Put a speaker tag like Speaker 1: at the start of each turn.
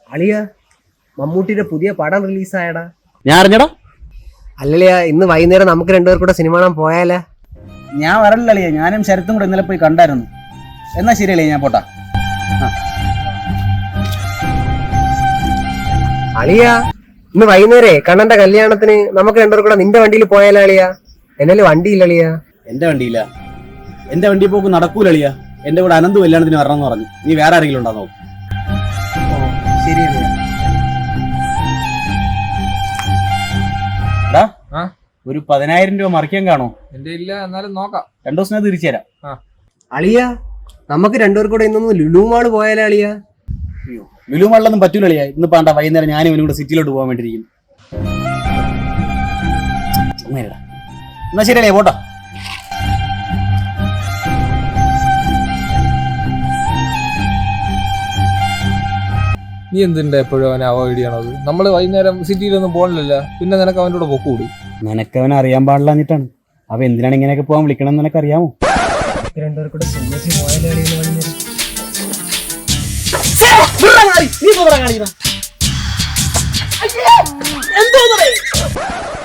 Speaker 1: അളിയ മമ്മൂട്ടിയുടെ പുതിയ പടം റിലീസായടാ.
Speaker 2: ഞാൻ അറിഞ്ഞടാ.
Speaker 1: അല്ലളിയ ഇന്ന് വൈകുന്നേരം നമുക്ക് രണ്ടുപേർ കൂടെ സിനിമ കാണാൻ പോയാലേ?
Speaker 2: ഞാൻ വരല്ല അളിയ, ഞാനും ശരത്തും കൂടെ ഇന്നലെ പോയി കണ്ടായിരുന്നു. എന്നാ ശരി അളിയ, ഞാൻ പോട്ടാ.
Speaker 1: അളിയ ഇന്ന് വൈകുന്നേരേ കണ്ണന്റെ കല്യാണത്തിന് നമുക്ക് രണ്ടുപേർ കൂടെ നിന്റെ വണ്ടിയിൽ പോയാലോ അളിയ? എന്നാലും വണ്ടിയില്ല അളിയ.
Speaker 2: എന്റെ വണ്ടിയില്ല, എന്റെ വണ്ടി പോക്ക് നടക്കൂല അളിയ. എന്റെ കൂടെ അനന്ത് കല്യാണത്തിന് വരണമെന്ന് പറഞ്ഞു. നീ വേറെ ആരെങ്കിലും ഉണ്ടോ നോക്കും.
Speaker 1: ശരി അളിയ.
Speaker 2: ഒരു 10,000 രൂപ മറിക്കാൻ കാണോ?
Speaker 3: എന്റെ ഇല്ല, എന്നാലും നോക്കാം.
Speaker 2: 2 ദിവസം തിരിച്ചു തരാം.
Speaker 1: അളിയ നമുക്ക് രണ്ടുപേർ കൂടെ ഇന്നൊന്ന് ലുലു മാള് പോയാലോ അളിയ?
Speaker 2: ലുലു മാളിലൊന്നും പറ്റൂല അളിയ. ഇന്ന് പാണ്ട വൈകുന്നേരം ഞാനും ഇവനും കൂടെ സിറ്റിയിലോട്ട് പോകാൻ വേണ്ടിയിരിക്കും. എന്നാ ശരി അളിയ, പോട്ടാ.
Speaker 3: നീ എന്തിന്റെ എപ്പോഴും അവനെ അവോയ്ഡ് ചെയ്യണത്? നമ്മള് വൈകുന്നേരം സിറ്റിയിലൊന്നും പോകണില്ല, പിന്നെ നിനക്ക് അവൻ്റെ കൂടെ പൊക്കൂടി.
Speaker 2: നിനക്കവനെ അറിയാൻ പാടില്ലാഞ്ഞിട്ടാണ്. അവ എന്തിനാണ് ഇങ്ങനെയൊക്കെ പോകാൻ വിളിക്കണം എന്ന് നിനക്കറിയാമോ?
Speaker 1: രണ്ടുപേർ കൂടെ സിനിമയ്ക്ക് പോയാലോ അളിയ?
Speaker 2: നീ